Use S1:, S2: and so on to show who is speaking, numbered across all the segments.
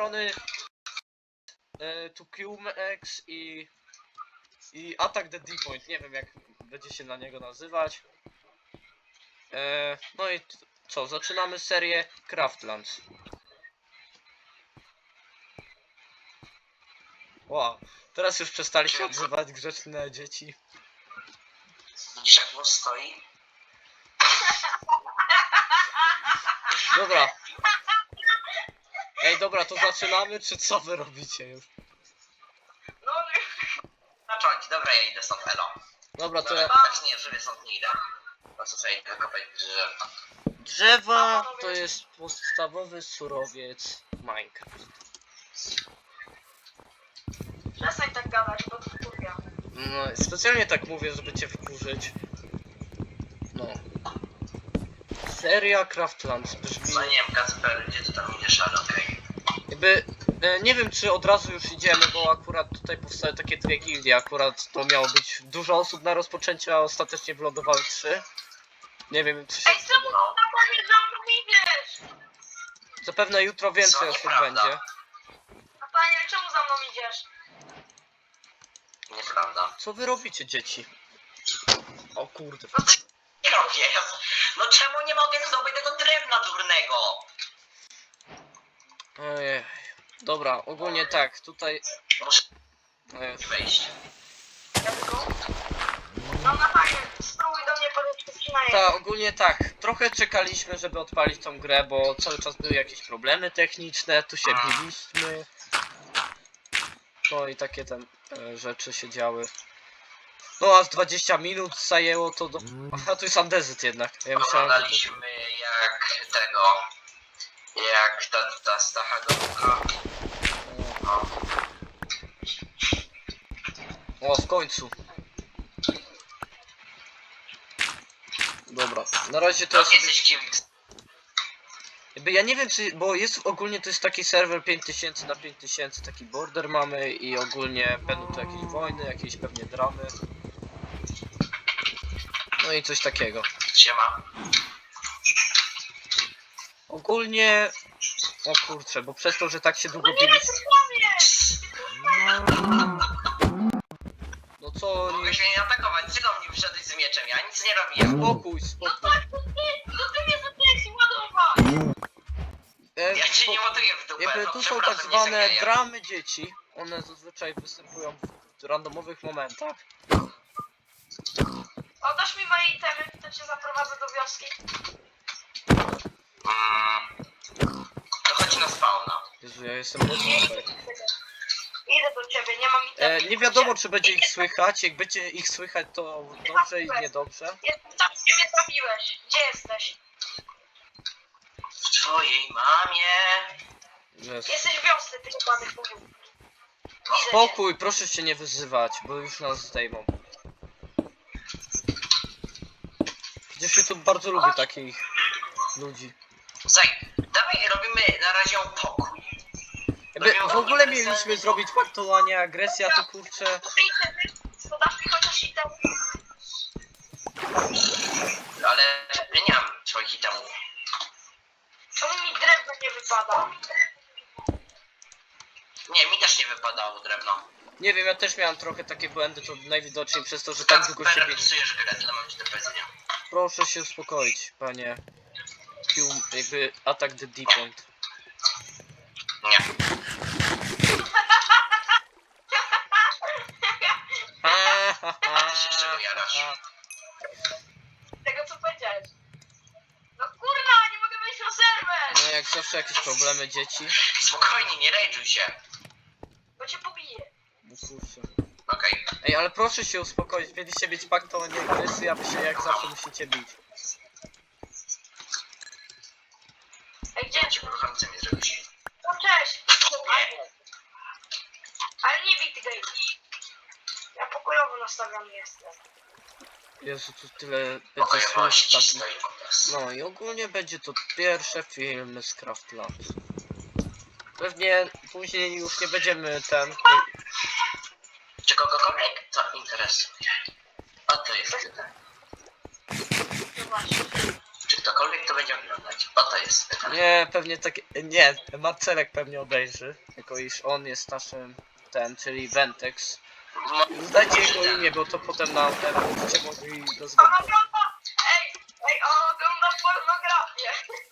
S1: strony TuQMX i Attack the D-Point, nie wiem jak będzie się na niego nazywać. No i co, zaczynamy serię Craftlands. Wow, teraz już przestali się odzywać grzeczne dzieci.
S2: Widzisz jak włos stoi?
S1: Dobra. Ej, dobra, to zaczynamy, czy co wy robicie już?
S2: No zacząć, dobra, ja idę stąd, elo.
S1: Dobra, to ja...
S2: Tak nie, żeby stąd nie idę. Po co sobie idę kopać drzewa?
S1: Drzewa to jest podstawowy surowiec Minecraft.
S3: Przestań tak gadać, bo to wkurwia.
S1: No, specjalnie tak mówię, żeby cię wkurzyć. No. Seria Craftlands brzmi...
S2: No nie wiem, Kacper, gdzie ty tam idziesz, ale okej.
S1: Jakby... nie wiem, czy od razu już idziemy, bo akurat tutaj powstały takie dwie gildie. Akurat to miało być dużo osób na rozpoczęcie, a ostatecznie wylądowały 3. Nie wiem, czy się...
S3: Ej, czemu na koniec za mną idziesz?
S1: Zapewne jutro więcej
S2: Co,
S1: osób
S2: nieprawda.
S1: będzie.
S3: A panie, czemu za mną idziesz?
S2: Nieprawda.
S1: Co wy robicie, dzieci? O kurde.
S2: No co nie robię? No czemu nie mogę zdobyć tego drewna durnego?
S1: Ojej. Dobra, ogólnie tak, tutaj...
S2: Muszę
S1: Ojej.
S2: wejść.
S3: Ja tylko? No na panie, spróbuj do mnie podejść przynajmniej.
S1: Tak, ogólnie tak. Trochę czekaliśmy, żeby odpalić tą grę, bo cały czas były jakieś problemy techniczne, tu się biliśmy. No i takie tam rzeczy się działy. No aż 20 minut zajęło to do... Aha, tu jest Andezyt jednak. Ja myślałem, że
S2: Oglądaliśmy jak tego... Jak ta Stacha Gąbka. No.
S1: O, w końcu. Dobra, na razie to ja
S2: To
S1: sobie...
S2: jesteś kimś.
S1: Jakby ja nie wiem czy... Bo jest ogólnie to jest taki serwer 5000 na 5000, taki border mamy i ogólnie będą tu jakieś wojny, jakieś pewnie dramy. No i coś takiego.
S2: Siema.
S1: Ogólnie... O kurczę, bo przez to, że tak się długo
S3: Nie,
S1: biliśmy... No co...
S2: Mogłeś mnie nie atakować, ty do mnie wyszedłeś z mieczem, ja nic nie robiłem.
S1: Spokój,
S3: No
S1: spokój.
S3: tak, to ty mnie zacząłeś ładować.
S2: Ja cię nie ładuję w dupę,
S1: Jakby
S2: no
S1: tu są tak
S2: przepraszam, nie
S1: zwane
S2: zagraję.
S1: dramy dzieci. One zazwyczaj występują w randomowych momentach.
S3: Oddasz mi moje itemy, to cię zaprowadzę do wioski.
S2: To chodzi na spawna.
S1: Jezu, ja jestem mocno tutaj.
S3: Idę do ciebie, nie mam itemy.
S1: Nie wiadomo czy będzie ich słychać. Jak będzie ich słychać to dobrze i niedobrze.
S3: Jestem tam, gdzie mnie trafiłeś. Gdzie jesteś?
S2: W twojej mamie.
S1: Jezu.
S3: Jesteś w wiosce, ty ładnych mówił.
S1: Spokój, proszę się nie wyzywać, bo już nas zdejmą. Przecież YouTube bardzo lubi takich ludzi.
S2: Słuchaj, dawaj robimy na razie pokój.
S1: Jakby w ogóle mieliśmy zrobić paktowanie, agresja to kurczę.
S3: To dasz mi chociaż itemy.
S2: Ale ja nie mam swoich itemów.
S3: Czemu mi drewno nie wypada?
S2: Nie, mi też nie wypadało drewno.
S1: Nie wiem, ja też miałem trochę takie błędy, to najwidoczniej przez to, że tak długo się
S2: Kacper,
S1: biegnie.
S2: psujesz grę, tyle mam ci do powiedzenia.
S1: Proszę się uspokoić, panie. Jakby attack the D-point.
S2: Nie. A ty się z czego jarasz?
S3: Tego co powiedziałeś. No kurwa, nie mogę wejść na serwer!
S1: No jak zawsze jakieś problemy dzieci.
S2: Spokojnie, nie rage'uj się.
S3: Bo cię pobiję.
S1: No kurczę.
S2: Okej.
S1: Ej, ale proszę się uspokoić, mieliście mieć paktowanie agresji, a wy się jak zawsze musicie bić.
S3: Ej, gdzie?
S2: Ja cię kocham, co mi zrobić.
S3: No cześć! Ale nie bij tej. Ja pokojowo nastawiony jestem.
S1: Jezu, tu tyle będzie
S2: Pokojowości
S1: słów
S2: ci
S1: takich.
S2: stoi po prostu.
S1: No i ogólnie będzie to pierwsze filmy z Craftlands. Pewnie później już nie będziemy
S2: Czy kogokolwiek to interesuje? O, to jest tyle.
S3: No właśnie.
S2: Czy ktokolwiek to będzie oglądać. Po to jest ten kanał.
S1: Nie, pewnie tak. Nie, Marcelek pewnie obejrzy. Jako iż on jest naszym czyli Ventex. Zdajcie jego imię, bo to potem na ten będziecie mogli
S3: On
S1: rozwiązać.
S3: ogląda... Ej, on ogląda pornografię.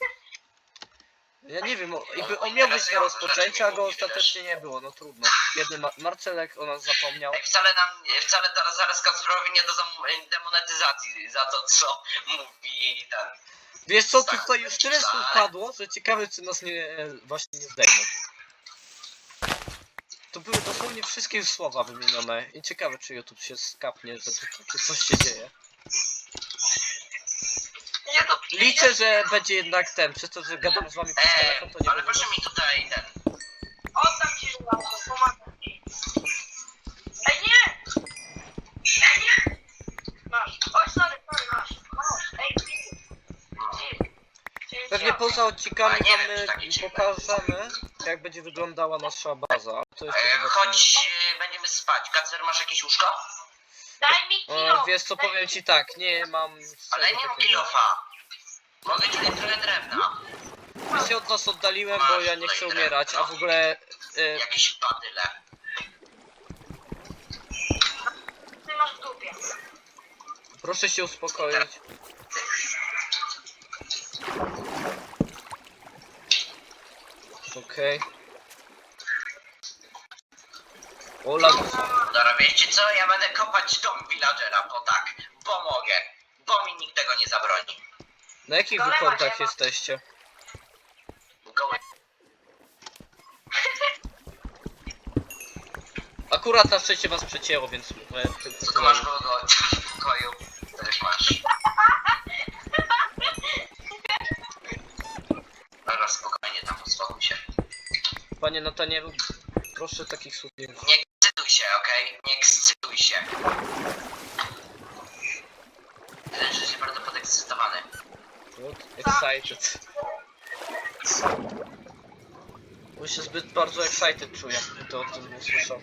S1: Ja nie wiem, on miał być na rozpoczęciu, a go ostatecznie nie było, no trudno. Jeden Marcelek o nas zapomniał.
S2: Ej, wcale zaraz Kacprowi nie dadzą demonetyzacji za to, co mówi ten.
S1: Wiesz co, tutaj już tyle słów padło, że ciekawe czy nas właśnie nie zdejmą. To były dosłownie wszystkie już słowa wymienione i ciekawe czy YouTube się skapnie, że tu takie coś się dzieje.
S3: Nie to...
S1: Liczę, że będzie jednak przez to, że gadam z wami przez telefon, to nie
S2: Ale
S1: będzie
S2: proszę mi tutaj ten.
S3: Oddam ci żelazo, pomagam ci. Ej, nie! Ej, nie! Masz. Oj, sorry, masz. Ej,
S1: Pewnie poza odcinkami
S2: A nie wiem, czy
S1: wam
S2: takie ciepłe.
S1: pokażemy, jak będzie wyglądała nasza baza. To jeszcze zobaczymy.
S2: Chodź, będziemy spać. Kacper, masz jakieś łóżko?
S3: Daj mi kilo!
S1: Wiesz co, powiem ci tak, nie mam
S2: Ale
S1: czego
S2: nie mam
S1: takiego.
S2: kilofa. Mogę ci dać trochę drewna.
S1: Ja się od was oddaliłem, bo ja nie chcę umierać, a w ogóle
S2: Jakieś badyle.
S3: Ty masz w dupie.
S1: proszę się uspokoić. Okej. Ola,
S2: Dobra, wiecie co? Ja będę kopać dom villagera, bo tak. Bo mogę. Bo mi nikt tego nie zabroni.
S1: na jakich wykordach jesteście?
S2: Goły.
S1: Akurat na szczęście was przecięło, więc
S2: Tylko masz go w pokoju. Też masz. Dobra, spokojnie tam, uspokój się.
S1: Panie Natanielu, proszę takich słów nie używać.
S2: Nie ekscytuj się, okej? Nie ekscytuj się. Wydaje się, że się bardzo podekscytowany.
S1: Excited. Bo się zbyt bardzo excited czuję, gdy to o tym usłyszał.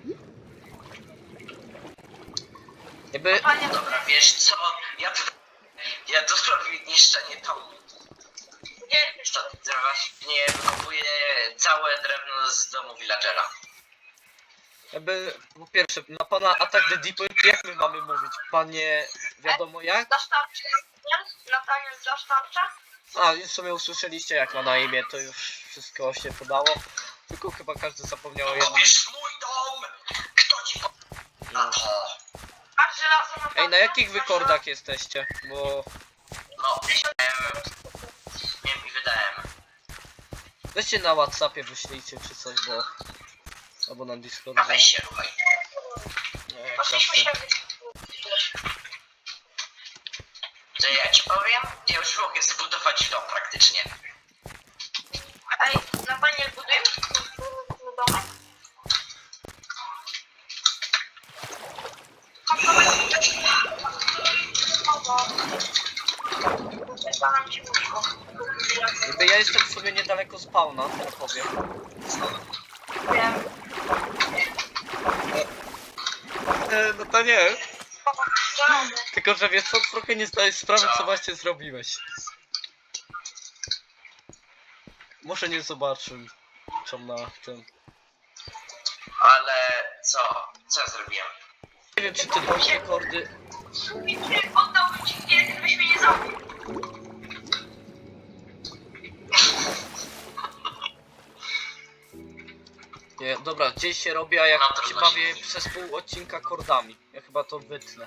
S1: Jakby...
S3: Panie,
S2: Dobra, wiesz co? Ja tu zrobię niszczenie domu.
S3: gdzie jesteś?
S2: To właśnie wykopuję całe drewno z domu villagera.
S1: Jakby, po pierwsze, na pana atak the deep web, jak my mamy mówić? Panie, wiadomo jak?
S3: Dasz tarczę? Nataniel, dasz tarczę?
S1: A, już sobie usłyszeliście jak ma na imię, to już wszystko się podało. Tylko chyba każdy zapomniał o jednym.
S2: Kopiesz mój dom! Kto ci na to?
S3: Masz żelazo na tarczę?
S1: Ej, na jakich wykordach jesteście? Bo...
S2: No, nie mi wydałem.
S1: Weźcie na Whatsappie, wyślijcie czy coś, bo... Albo na
S2: A
S1: Discordzie.
S2: weź się, ruchaj.
S1: Nie,
S3: Poszliśmy się...
S2: To ja ci powiem, ja już mogę zbudować dom praktycznie.
S3: Ej, Nataniel, budujemy domek? Zalam ci łóżko.
S1: Jakby ja jestem w sumie niedaleko spawna, to powiem.
S3: Wiem.
S1: No to nie.
S3: Żelazo.
S1: Tylko, że wiesz co, trochę nie zdajesz sprawy, co właśnie zrobiłeś. Może nie zobaczył, co na tym.
S2: Ale co? Co ja zrobiłem?
S1: Nie wiem, czy ty masz rekordy.
S3: Oddałbym ci chwilę, gdybyś mnie nie zabił.
S1: Nie, dobra, gdzieś się robi, a jak
S2: No, to
S1: się
S2: właśnie.
S1: bawię przez pół odcinka kordami. Ja chyba to wytnę.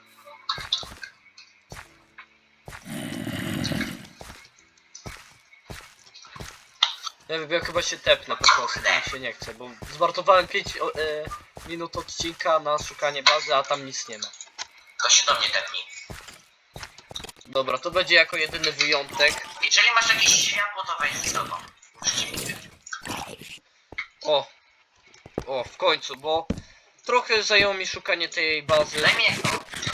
S1: Nie wiem, ja chyba się tepnę po prostu, bo mi się nie chce, bo zmarnowałem 5 minut odcinka na szukanie bazy, a tam nic nie ma.
S2: To się do mnie tepnij.
S1: Dobra, to będzie jako jedyny wyjątek.
S2: Jeżeli masz jakieś światło, to wejdź do domu.
S1: O, w końcu, bo trochę zajęło mi szukanie tej bazy.
S2: Daj mi jedno.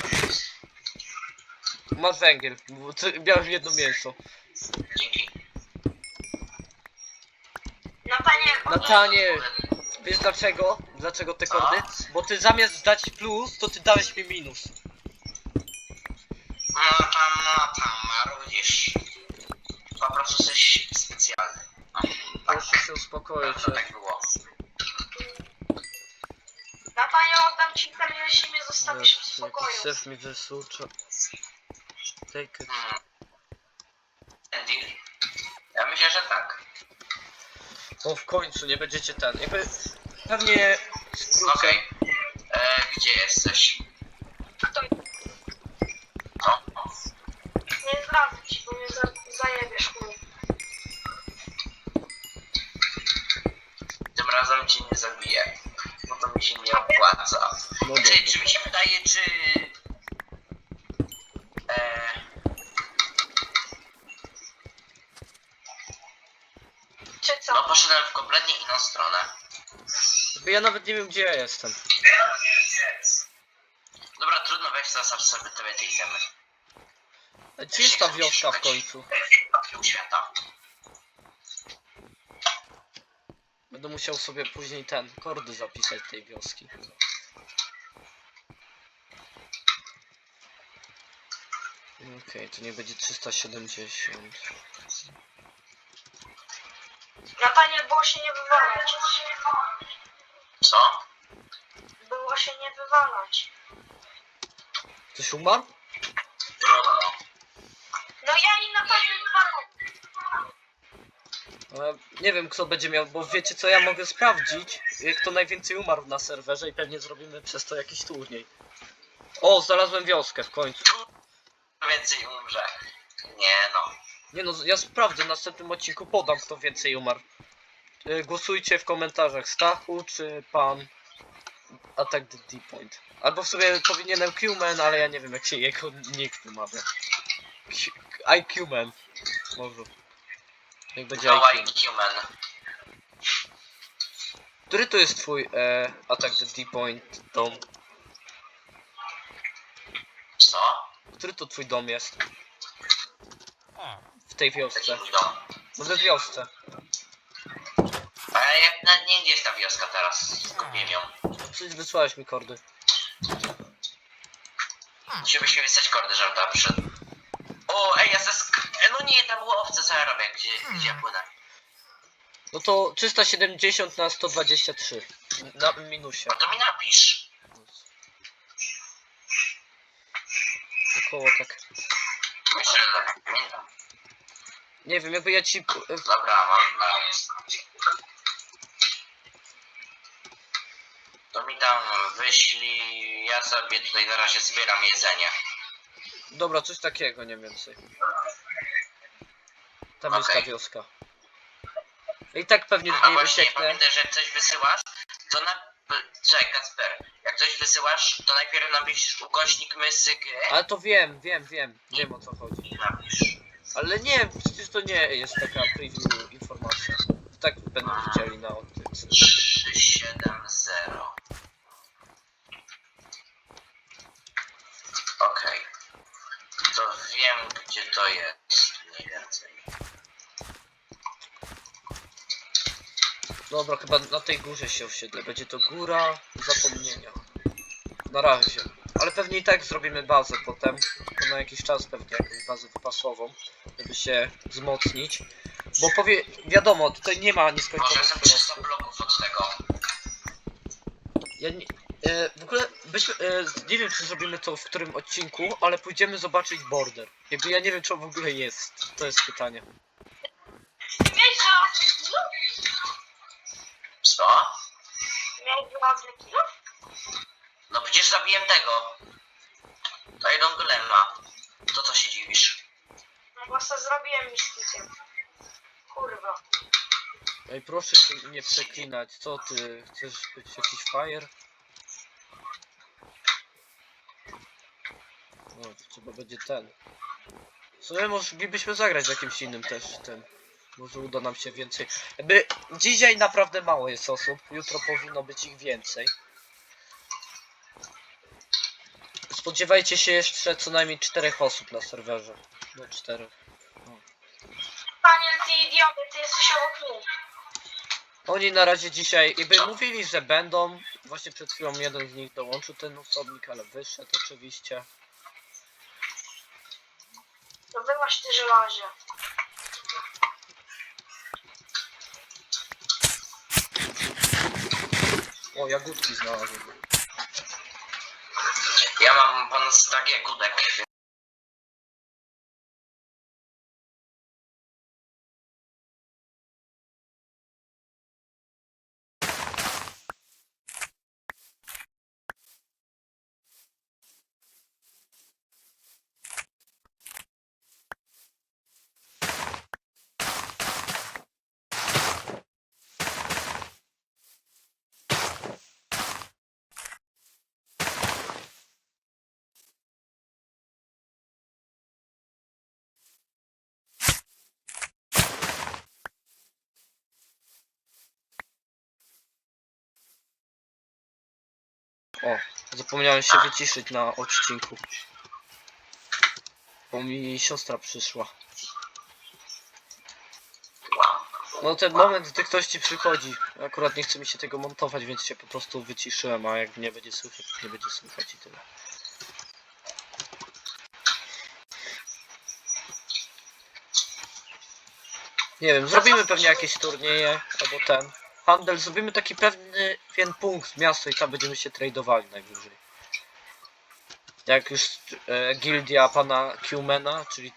S1: Masz węgiel, bo miałem jedno mięso.
S2: Dzięki.
S3: Nataniel,
S1: Nataniel, wiesz dlaczego? Dlaczego te
S2: Co?
S1: kordy? Bo ty zamiast dać plus, to ty dałeś mi minus.
S2: No tam, marudzisz. Po prostu jesteś specjalny.
S1: Proszę się uspokoić.
S2: To tak było.
S3: Natalio, oddam ci ten, jeśli mnie zostawisz w
S1: Jakiś
S3: spokoju.
S1: syf mi wysucza. Take it.
S2: Deal? Ja myślę, że tak.
S1: O, w końcu nie będziecie ten. Jakby pewnie skrócę.
S2: Okej. Gdzie jesteś?
S3: To
S2: No.
S3: nie zdradzę ci, bo mnie zajebiesz chuj.
S2: Tym razem cię nie zabiję. Bo to mi się nie opłaca.
S1: No dobra.
S2: Czy mi się wydaje, czy...
S3: Czy co?
S2: No poszedłem w kompletnie inną stronę.
S1: Jakby ja nawet nie wiem gdzie ja jestem.
S2: Dobra, trudno, weź zostaw sobie te itemy.
S1: A gdzie jest ta wioska w końcu?
S2: Papił świata.
S1: Będę musiał sobie później kordy zapisać tej wioski. Okej, to nie będzie 370.
S3: Nataniel, było się nie wywalać.
S2: Co?
S3: Było się nie wywalać.
S1: Ktoś umarł?
S2: Trudno.
S3: No ja i Nataniel wywalać.
S1: Nie wiem kto będzie miał, bo wiecie co, ja mogę sprawdzić, kto najwięcej umarł na serwerze i pewnie zrobimy przez to jakiś turniej. O, znalazłem wioskę w końcu.
S2: Więcej umrze. Nie no.
S1: Nie no, ja sprawdzę, w następnym odcinku podam kto więcej umarł. Głosujcie w komentarzach, Stachu czy pan Attack the D-Point. Albo w sobie powinienem Q-Man, ale ja nie wiem jak się jego nick wymawia. IQ-Man. Może. Jak będzie
S2: Go
S1: IQ.
S2: IQ-Man.
S1: Który to jest twój Attack the D-Point dom?
S2: Co?
S1: Który to twój dom jest? W tej wiosce.
S2: Taki mój dom.
S1: No we wiosce.
S2: A ja nawet nie wiem, gdzie jest ta wioska teraz. Zgubiłem ją.
S1: Przecież wysłałeś mi kordy.
S2: Musiałbyś mi wysłać kordy, żebym tam przyszedł. O, ej, ja no nie, tam było owce, co ja robię? Gdzie ja płynę?
S1: No to 370 na 123. Na minusie.
S2: No to mi napisz.
S1: Około tak.
S2: Myślę, że tak. Pamiętam.
S1: Nie wiem, jakby ja ci...
S2: Dobra, mam na... To mi tam wyślij, ja sobie tutaj na razie zbieram jedzenie.
S1: Dobra, coś takiego, nie więcej. Tam jest ta
S2: Okej.
S1: wioska. I tak pewnie z
S2: A
S1: niej
S2: właśnie,
S1: ucieknę.
S2: pamiętaj, że jak coś wysyłasz, to na... Czekaj, Kacper, jak coś wysyłasz, to najpierw napisz ukośnik mysyk
S1: Ale to wiem o co chodzi.
S2: i napisz.
S1: Ale nie, przecież to nie jest taka preview informacja. To tak będą widzieli na odtyczce.
S2: 370. Okej. To wiem, gdzie to jest, mniej więcej.
S1: Dobra, chyba na tej górze się osiedlę. Będzie to góra zapomnienia. Na razie. Ale pewnie i tak zrobimy bazę potem. To na jakiś czas pewnie jakąś bazę wypasową. Żeby się wzmocnić. Bo wiadomo, tutaj nie ma
S2: Może
S1: nieskończonych
S2: jestem 300
S1: surowców.
S2: bloków od tego.
S1: Ja nie, w ogóle nie wiem czy zrobimy to w którym odcinku, ale pójdziemy zobaczyć border. Jakby ja nie wiem czy on w ogóle jest. To jest pytanie.
S3: Miałeś żelazny kilo?
S2: Co?
S3: Miałeś żelazny kilo?
S2: No przecież zabiłem tego. To Iron Golema. To co się dziwisz?
S3: No bo se zrobiłem mistykiem. Kurwa.
S1: Ej, proszę się nie przeklinać. Co ty? Chcesz być jakiś fire? No, to trzeba będzie ten. W sumie moglibyśmy zagrać z jakimś innym też tym. Może uda nam się więcej. Jakby dzisiaj naprawdę mało jest osób. Jutro powinno być ich więcej. Spodziewajcie się jeszcze co najmniej 4 osób na serwerze. No 4.
S3: Daniel, ty idioty, ty jesteś obok mnie.
S1: Oni na razie dzisiaj jakby mówili, że będą. Właśnie przed chwilą jeden z nich dołączył ten osobnik, ale wyszedł oczywiście.
S3: No wyłaś ty żelazie.
S1: O, jagódki znalazłem.
S2: Ja mam ponad stak jagódek.
S1: O, zapomniałem się wyciszyć na odcinku. Bo mi siostra przyszła.
S2: Wow.
S1: No ten moment, gdy ktoś ci przychodzi. Akurat nie chce mi się tego montować, więc się po prostu wyciszyłem, a jak nie będzie słychać, to nie będzie słychać i tyle. Nie wiem, zrobimy pewnie jakieś turnieje, albo ten. Handel, zrobimy taki pewien punkt, miasto i tam będziemy się tradowali najwyżej. Jak już gildia pana Qmana, czyli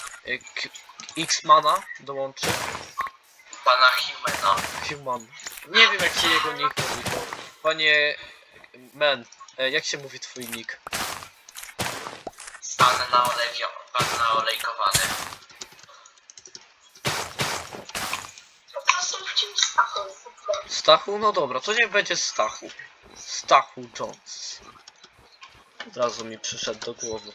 S1: X-Mana dołączy.
S2: Pana Humana.
S1: Human. Nie wiem jak się jego nick mówi, bo panie Man, jak się mówi twój nick?
S2: Pan naolejkowany.
S3: Po prostu wciąż Stachu.
S1: Stachu? No dobra, to niech będzie Stachu. Stachu Jones. Od razu mi przyszedł do głowy.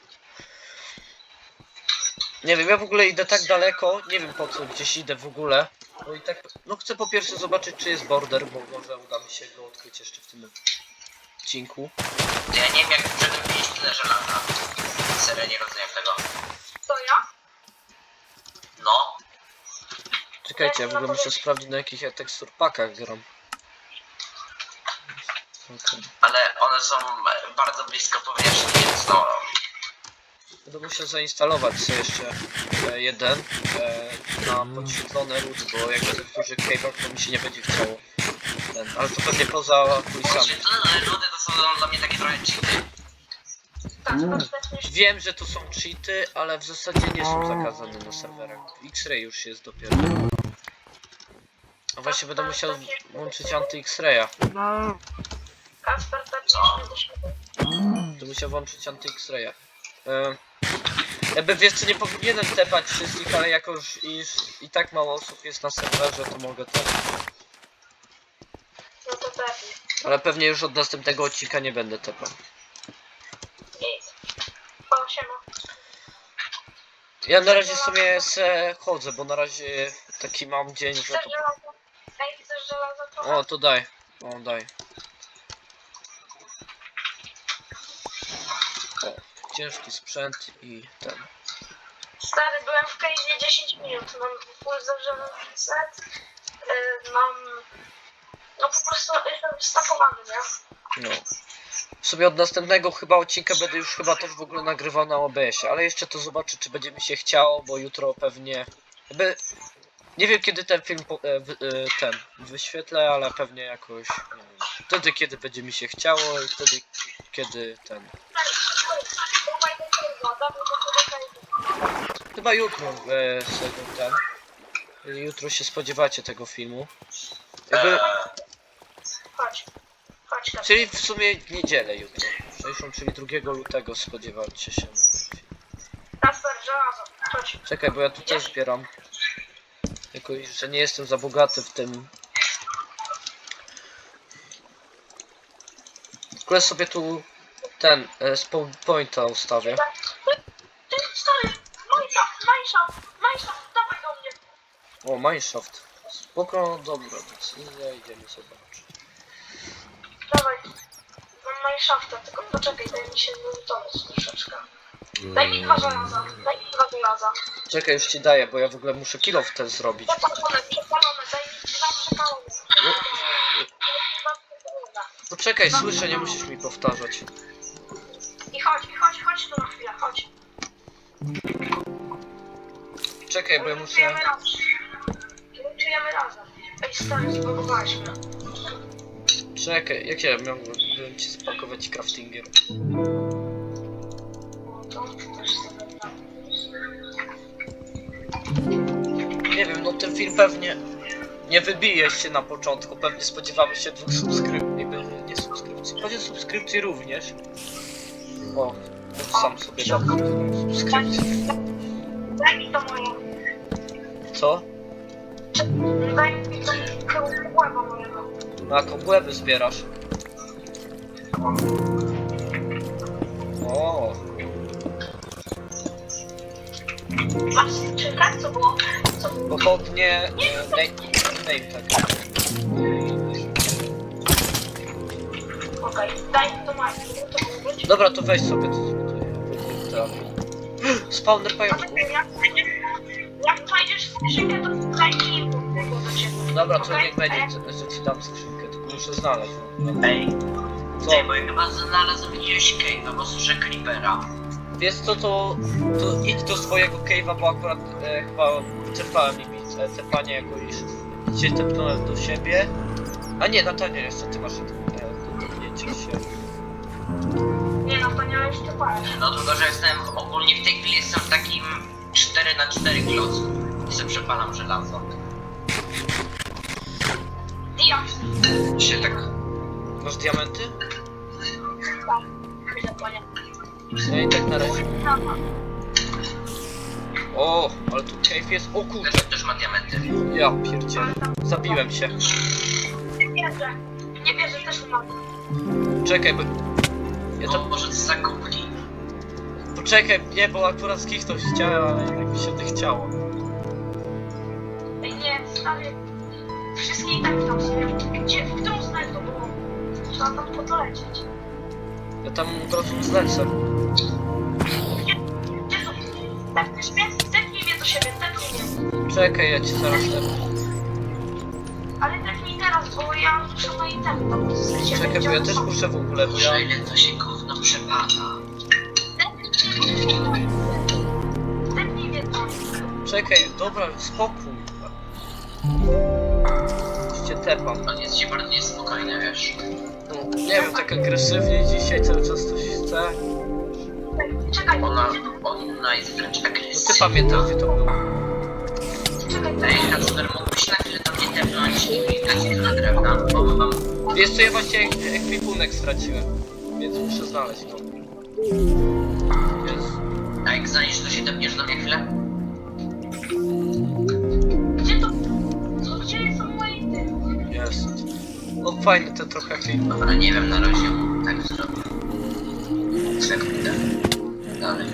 S1: Nie wiem, ja w ogóle idę tak daleko, nie wiem po co gdzieś idę w ogóle. Bo i tak, no chcę po pierwsze zobaczyć czy jest border, bo może uda mi się go odkryć jeszcze w tym odcinku.
S2: Ja nie wiem jak żeby mieć tyle żelaza. Serio nie rozumiem tego.
S3: To ja?
S2: No.
S1: Czekajcie, ja w ogóle muszę sprawdzić na jakich ja teksturpakach gram. Okay.
S2: Ale one są bardzo blisko powierzchni, więc no.
S1: Będę musiał zainstalować sobie jeszcze jeden na podświetlone rudy, bo jak będę w dużych cave'ach to mi się nie będzie chciało. Ale to pewnie poza kulisami.
S2: Podświetlone rudy to są dla mnie takie trochę cheaty.
S1: Wiem, że to są cheaty, ale w zasadzie nie są zakazane na serwerach. X-Ray już jest dopiero. A właśnie będę musiał włączyć anty-X-Raya.
S3: Kasper, tak
S2: Co?
S3: do siebie.
S1: Będę musiał włączyć anty-X-Raya. Jakby wiesz co, nie powinienem tepać wszystkich, ale jako już i tak mało osób jest na serwerze, to mogę tepać.
S3: No to pewnie.
S1: Ale pewnie już od następnego odcinka nie będę tepał.
S3: Nic. O, siema.
S1: Ja na razie sobie se chodzę, bo na razie taki mam dzień, że
S3: Chcesz
S1: to...
S3: żelazo? Ej, chcesz żelazo trochę?
S1: O, to daj. O, daj. O, ciężki sprzęt i ten.
S3: Stary, byłem w Cave'ie 10 minut. Mam full zawrzewny set. Mam... No po prostu jestem wstapowany, nie?
S1: No. Sobie od następnego chyba odcinka będę już chyba też w ogóle nagrywał na OBS-ie, ale jeszcze to zobaczę czy będzie mi się chciało, bo jutro pewnie... Jakby... Nie wiem kiedy ten film ten wyświetlę, ale pewnie jakoś... Nie wiem, wtedy kiedy będzie mi się chciało i wtedy kiedy ten...
S3: Dawaj do Cave'a, dawaj do Cave'a.
S1: Chyba jutro sobie ten... Jutro się spodziewacie tego filmu. Jakby...
S3: Chodź. Chodź, Kasper.
S1: Czyli w sumie niedzielę jutro. 60, czyli 2 lutego spodziewacie się na film.
S3: Kasper, żelazo. Chodź.
S1: Czekaj, bo ja tu też zbieram. Jako że nie jestem za bogaty w tym. Tylko sobie tu ten spawn pointa ustawię.
S3: Ty, stary, mineshaft, dawaj do mnie.
S1: O, mineshaft. Spoko, dobra, decyzja, idziemy zobaczyć.
S3: Dawaj. Mam mineshafta, tylko poczekaj, daj mi się zlutować troszeczkę. Daj mi 2 żelaza, daj mi 2 żelaza.
S1: Czekaj, już ci daję, bo ja w ogóle muszę kill off ten zrobić.
S3: Przepalone, daj mi 2 przepalone.
S1: Poczekaj, słyszę, nie musisz mi powtarzać.
S3: I chodź tu na chwilę, chodź.
S1: Czekaj, bo ja muszę...
S3: Lutujemy razem. Lutujemy razem. Ej, stary, zbudowałeś mnie.
S1: Czekaj, jak ja miałbym ci spakować craftinger?
S3: No to też sobie tam.
S1: Nie wiem, no ten film pewnie nie wybije się na początku, pewnie spodziewamy się 2 subskrypcji, nie subskrypcji, choć subskrypcji również. O, to sam sobie dam subskrypcję.
S3: Daj mi to moje.
S1: Co?
S3: Daj mi to kłęba mojego.
S1: Na kobłęby zbierasz? O,
S3: Masz skrzynkę? Co było? Co było?
S1: pochodnie... name tak.
S3: Okej, daj mi to moje. To było być.
S1: Dobra, to weź sobie to. Spawner pająków.
S3: Jak znajdziesz skrzynkę, to daj mi info do ciebie.
S1: Dobra, to
S3: Okej?
S1: niech będzie, że ci dam skrzynkę, tylko muszę znaleźć.
S2: Ej,
S1: Co?
S2: ty, bo ja chyba znalazłem jakiegoś cave'a, bo słyszę creepera.
S1: Wiesz co, to idź do swojego cave'a, bo akurat chyba czerpałem limit tepania jako iż cię tepnąłem do siebie. A nie, Natania jeszcze ty masz do tepnięcia się.
S3: Nie no, to nie jeszcze parę.
S2: No tylko, że jestem ogólnie w tej chwili jestem w takim 4x4 klocku i sobie przepalam żelazo.
S3: Diaks.
S2: Się tak...
S1: Masz diamenty?
S3: Tak, chwilę, panie.
S1: Ja i tak na razie.
S3: Dobra.
S1: O, ale tu cave jest. O kurde,
S2: Też ma diamenty.
S1: ja pierdzielę. Zabiłem się.
S3: Nie wierzę, też mam.
S1: Czekaj, bo... Ja
S2: No
S1: to...
S2: może to zakupli.
S1: Poczekaj, nie, bo akurat skichnąć chciałem, ale jednak mi się nie chciało.
S3: Ej, nie, stary. Wszystkie i tak tam są. Gdzie, w którą stronę to było? Trzeba tam po to lecieć.
S1: Ja tam od razu zlecę.
S3: Gdzie to? Tepniesz mnie? Tepnij mnie do siebie, tepnij mnie.
S1: Czekaj, ja cię zaraz tepnę.
S3: Ale tepnij teraz, bo ja muszę na item tam z
S1: Czekaj, bo ja też muszę w ogóle, bo ja...
S2: Może ile to się gówno przepada.
S3: Tepnij mnie tam.
S1: Czekaj, dobra, spokój. Już cię tepam.
S2: On jest się bardzo niespokojny, wiesz.
S1: No, nie wiem, tak agresywnie dzisiaj cały czas coś chce.
S3: Czekaj,
S2: Ona jest wręcz
S1: No
S2: agresywna.
S1: ty pamiętasz, gdzie to było?
S3: czekaj.
S2: Ej, Kacper, mógłbyś na chwilę do mnie tepnąć i dać na drewna, bo mam...
S1: Wiesz co, ja właśnie ekwipunek straciłem. Więc muszę znaleźć to. Jest.
S2: A jak znajdziesz, to się tepniesz do mnie chwilę?
S3: Gdzie to? Gdzie są moje itemy?
S1: Jest. No fajny ten trochę film.
S2: Dobra, nie wiem, na razie tak zrobię. Sekundę. Dalej.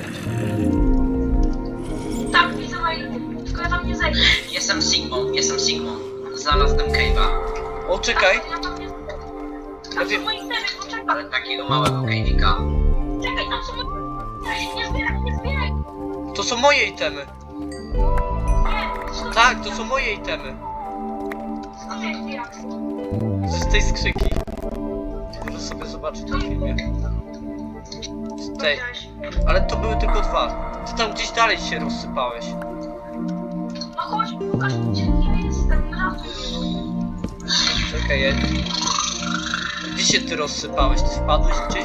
S3: Tak, widzę moje itemy. Tylko ja tam nie zejdę.
S2: Jestem Sigmą. Znalazłem cave'a.
S1: O, czekaj.
S3: Ja tam nie zejdę.
S1: Ja
S3: Tam
S1: wiem.
S3: są moje itemy, poczekaj.
S2: Ale takiego małego cave'ika.
S3: Czekaj, tam są moje itemy. Nie zbieraj, nie zbieraj.
S1: To są moje itemy.
S3: Nie, skąd
S1: Tak, to są moje itemy.
S3: skąd jest Diaks?
S1: Z tej skrzynki. Możesz sobie zobaczyć na filmie. Z tej.
S3: Powiedziałeś.
S1: Ale to były tylko 2. Ty tam gdzieś dalej się rozsypałeś.
S3: No chodź, pokaż mi, gdzie nie jestem.
S1: Czekaj, ja... Gdzie się ty rozsypałeś? Ty wpadłeś gdzieś?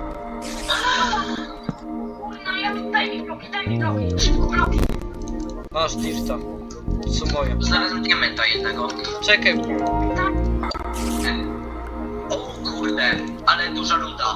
S3: No ja daj mi bloki, szybko bloki.
S1: Masz dirta. To są moje.
S2: Znalazłem diamenta jednego.
S1: Czekaj,
S3: Tak,
S2: O kurde, ale duża luda.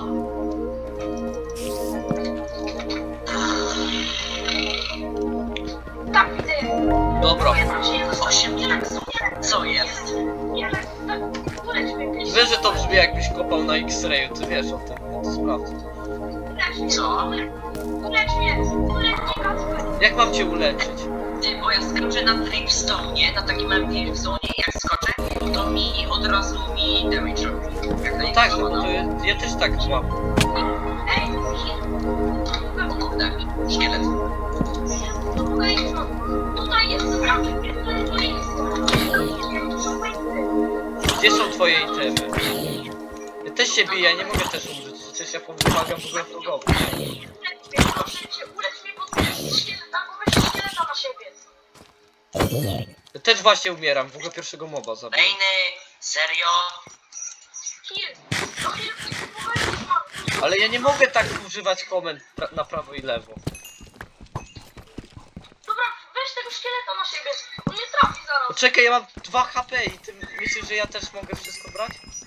S3: tak widzę.
S1: dobra.
S3: Ja tam się nie dostałem.
S2: 8 diaksów. Co jest?
S3: Nie, tak, uleć mnie, please.
S1: Wiesz, że to brzmi jakbyś kopał na X-rayu, ty wiesz o tym, no to sprawdzę.
S3: Ulecz mnie,
S2: Co?
S3: ulecz mnie, Kacper.
S1: Jak mam cię uleczyć?
S2: Ty, bo ja skoczę na dripstone, na takim małym dripstone i jak skoczę, to mi od razu damage robi. Jak na
S1: No tak, no bo
S2: niego
S1: to ja też tak mam.
S3: Ej,
S2: O kurde, szkielet.
S3: tutaj jest sprawy, tutaj jest.
S1: Gdzie są twoje itemy? Ja też się biję, nie mogę też umrzeć, przecież ja pomagam w ogóle wrogowi.
S3: Ulecz mnie, bo weź szkieleta na siebie.
S1: Ja też właśnie umieram, w ogóle pierwszego moba zabiłem.
S2: Bejny, serio?
S1: Ale ja nie mogę tak używać komend na prawo i lewo.
S3: Dobra, weź tego szkieleta na siebie. On mnie trafi zaraz.
S1: Poczekaj, ja mam 2 HP i ty myślisz, że ja też mogę wszystko brać?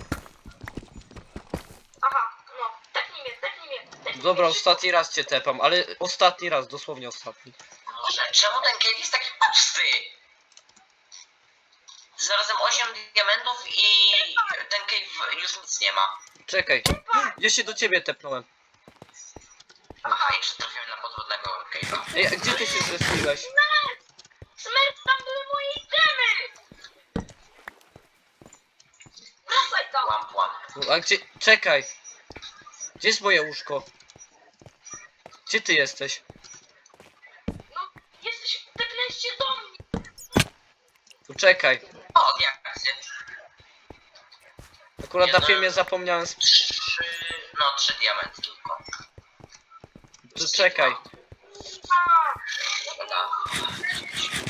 S3: Aha, no. Tepnij mnie, tepnij mnie. Tepnij
S1: Dobra,
S3: mnie.
S1: ostatni raz cię tepam, ale ostatni raz, dosłownie ostatni.
S2: Boże, czemu ten cave jest taki pusty? Znalazłem 8 diamentów i ten cave już nic nie ma.
S1: Czekaj, ja się do ciebie tepnąłem.
S2: Aha, jeszcze trafiłem na podwodnego cave'a.
S1: Ej, a gdzie ty się zrespiłeś?
S3: Smert, tam były moje itemy! Wracaj tam!
S2: Łam.
S1: No, a gdzie... Czekaj! Gdzie jest moje łóżko? Gdzie ty jesteś?
S3: No, tepnęliście do mnie!
S1: Tu czekaj.
S2: O, jak się?
S1: Akurat na filmie zapomniałem...
S2: 3 diamenty tylko.
S1: Tu czekaj.
S3: A,
S2: Dobra.